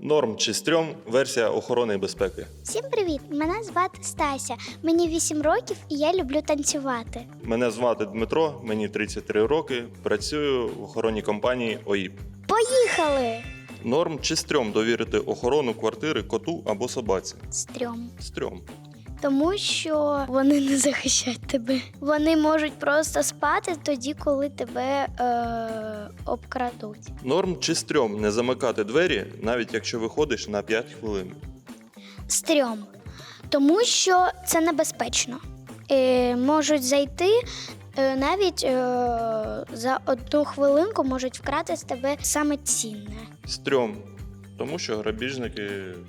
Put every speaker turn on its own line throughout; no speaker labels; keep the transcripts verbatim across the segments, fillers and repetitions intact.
Норм чи стрьом – версія охорони і безпеки.
Всім привіт! Мене звати Стася. Мені вісім років і я люблю танцювати.
Мене звати Дмитро, мені тридцять три роки, працюю в охоронній компанії ОІП.
Поїхали!
Норм чи стрьом довірити охорону квартири коту або собаці?
Стрьом.
Стрьом.
Тому що вони не захищають тебе. Вони можуть просто спати тоді, коли тебе е- обкрадуть.
Норм чи стрьом не замикати двері, навіть якщо виходиш на п'ять хвилин?
Стрьом. Тому що це небезпечно. Е- можуть зайти, е- навіть е- за одну хвилинку можуть вкрати з тебе саме цінне.
Стрьом. Тому що грабіжники...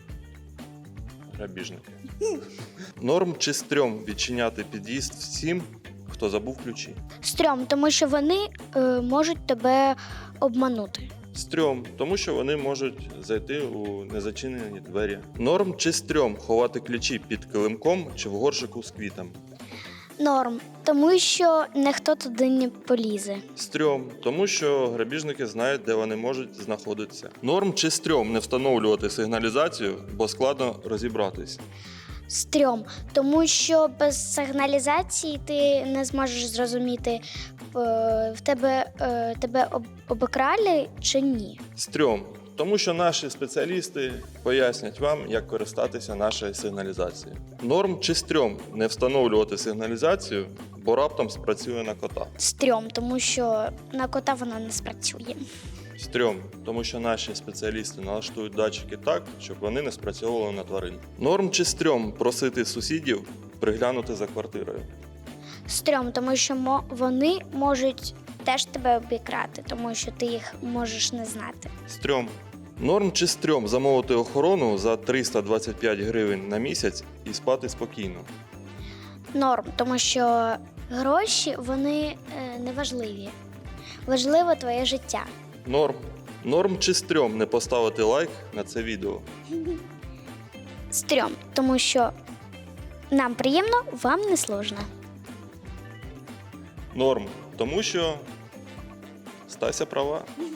Грабіжники. Норм чи стрьом відчиняти під'їзд всім, хто забув ключі?
Стрьом, тому що вони е, можуть тебе обманути.
Стрьом, тому що вони можуть зайти у незачинені двері. Норм чи стрьом ховати ключі під килимком чи в горшику з квітами?
Норм, тому що ніхто туди не полізе.
Стрьом, тому що грабіжники знають, де вони можуть знаходитися. Норм чи стрьом не встановлювати сигналізацію, бо складно розібратись?
Стрьом, тому що без сигналізації ти не зможеш зрозуміти, е, в тебе, е, тебе об- обікрали чи ні.
Стрьом, тому що наші спеціалісти пояснять вам, як користатися нашою сигналізацією. Норм чи стрьом не встановлювати сигналізацію, бо раптом спрацює на кота?
Стрьом, тому що на кота вона не спрацює.
Стрьом, тому що наші спеціалісти налаштують датчики так, щоб вони не спрацьовували на тварин. Норм чи стрьом просити сусідів приглянути за квартирою?
Стрьом, тому що мо- вони можуть теж тебе обікрати, тому що ти їх можеш не знати.
Стрьом. Норм чи стрьом замовити охорону за триста двадцять п'ять гривень на місяць і спати спокійно?
Норм, тому що гроші, вони е, не важливі. Важливо твоє життя.
Норм. Норм чи стрьом не поставити лайк на це відео?
Стрьом, тому що нам приємно, вам не сложно.
Норм, тому що Стася права.